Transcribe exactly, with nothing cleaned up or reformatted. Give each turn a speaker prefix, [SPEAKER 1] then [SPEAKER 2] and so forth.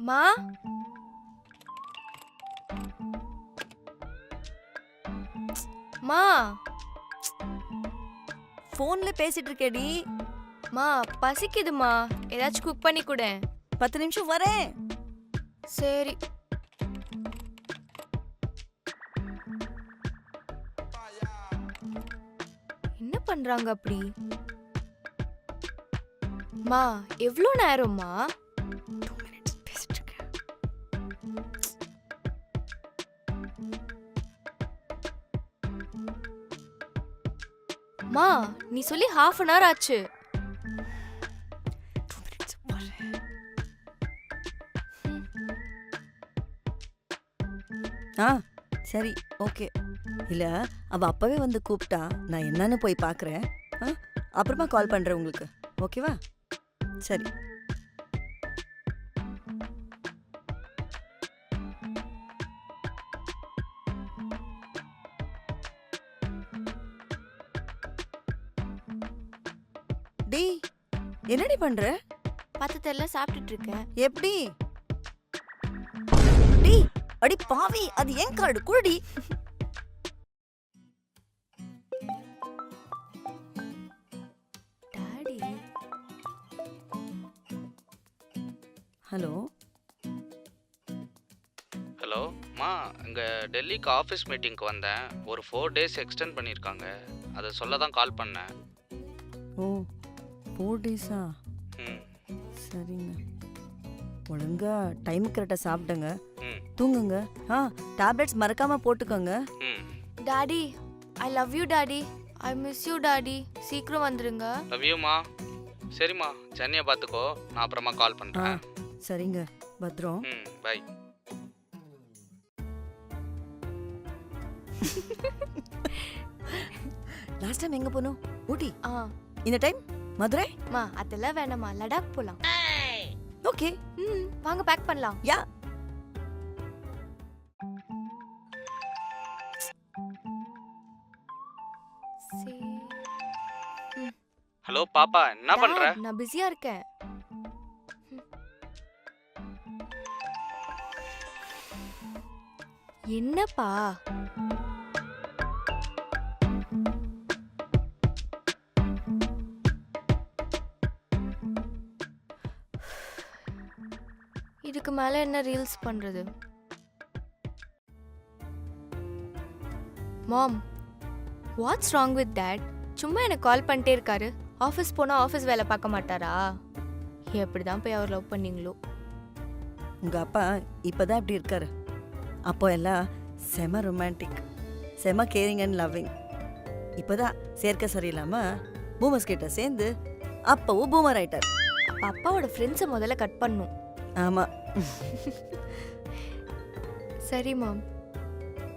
[SPEAKER 1] மா மா
[SPEAKER 2] போன்ல பேசிட்டு இருக்கேடி.
[SPEAKER 1] மா பசிக்குதுமா, ஏதாச்சும் குக் பண்ணி கொடு.
[SPEAKER 2] பத்து நிமிஷம் வரேன்.
[SPEAKER 1] சரி. என்ன பண்றாங்க அப்படி? மா எவ்வளோ நேரம்மா?
[SPEAKER 2] டூ மினிட்ஸ் பேசிட்டு இருக்கேன்.
[SPEAKER 1] மா நீ சொல்லி ஹாஃப் அன் ஹவர் ஆச்சு.
[SPEAKER 2] டூ மினிட்ஸ் வரேன். ஆ சரி ஓகே. இல்ல அவ அப்பவே வந்து கூப்பிட்டா நான் என்னன்னு போய் பார்க்கறேன். ஆ அப்புறமா கால் பண்றேன் உங்களுக்கு. ஓகேவா? சரி. டேய் என்னடி பண்ற?
[SPEAKER 1] பத்தத்தெல்லாம் சாப்பிட்டுட்டு இருக்கேன்.
[SPEAKER 2] எப்படி? டேய் அடி பாவி, அது ஏன் கார்டு குடி.
[SPEAKER 1] டாடி
[SPEAKER 2] ஹலோ
[SPEAKER 3] ஹலோ மா, இங்கே டெல்லிக்கு ஆஃபீஸ் மீட்டிங்க்கு வந்தேன். ஒரு ஃபோர் டேஸ் எக்ஸ்டெண்ட் பண்ணியிருக்காங்க. அதை சொல்ல தான் கால் பண்ணேன்.
[SPEAKER 2] ஓ ஃபோர் டேஸா?
[SPEAKER 3] ம்
[SPEAKER 2] சரிங்க. ஒழுங்கா டைம் கரெக்டாக சாப்பிடுங்க,
[SPEAKER 3] ம்
[SPEAKER 2] தூங்குங்க. ஆ டேப்லெட்ஸ் மறக்காம போட்டுக்கோங்க.
[SPEAKER 3] ம்
[SPEAKER 1] daddy I love you daddy. I miss you daddy. சீக்கிரம் வந்துருங்க.
[SPEAKER 3] லவ் யூமா. சரிம்மா, சென்னையை பார்த்துக்கோ. நான் அப்புறமா கால்
[SPEAKER 2] ஆ
[SPEAKER 3] பண்ணுறேன்.
[SPEAKER 2] சரிங்க, பத்ரம்.
[SPEAKER 3] ம் பை.
[SPEAKER 2] லாஸ்ட் டைம் எங்க போனோம்? ஊட்டி.
[SPEAKER 1] ஆ
[SPEAKER 2] இந்த டைம் மதுரை.
[SPEAKER 1] மா அதெல்லாம் வேணாமா, லடாக் போலாம்.
[SPEAKER 2] ஓகே.
[SPEAKER 1] ம் வாங்க பேக் பண்ணலாம்.
[SPEAKER 2] யா.
[SPEAKER 1] சரி.
[SPEAKER 3] ஹலோ பாப்பா, என்ன பண்ணுற?
[SPEAKER 1] Dad, நான் பிஸியா இருக்கேன். ம். என்னப்பா? இதுக்கு மேல என்ன ரீல்ஸ் பண்றது? Mom, what's wrong with dad? சும்மா எனக்கு கால் பண்ணிட்டே இருக்காரு. ஆஃபீஸ் போனால் ஆஃபீஸ் வேலை பார்க்க மாட்டாரா? எப்படி தான் போய் அவர் லவ் பண்ணீங்களோ?
[SPEAKER 2] உங்க அப்பா இப்பதான் இப்படி இருக்காரு. அப்போ எல்லாம் செம ரொமான்டிக், செம கேரிங் அண்ட் லவ்விங். இப்போதான் சேர்க்க சரியில்லாம பூமர்ஸ் கிட்ட சேர்ந்து அப்பவும் பூமர் ஆயிட்டார்.
[SPEAKER 1] அப்ப அப்பாவோட ஃப்ரெண்ட்ஸை முதல்ல கட் பண்ணும்.
[SPEAKER 2] ஆமா.
[SPEAKER 1] சரி மாம்.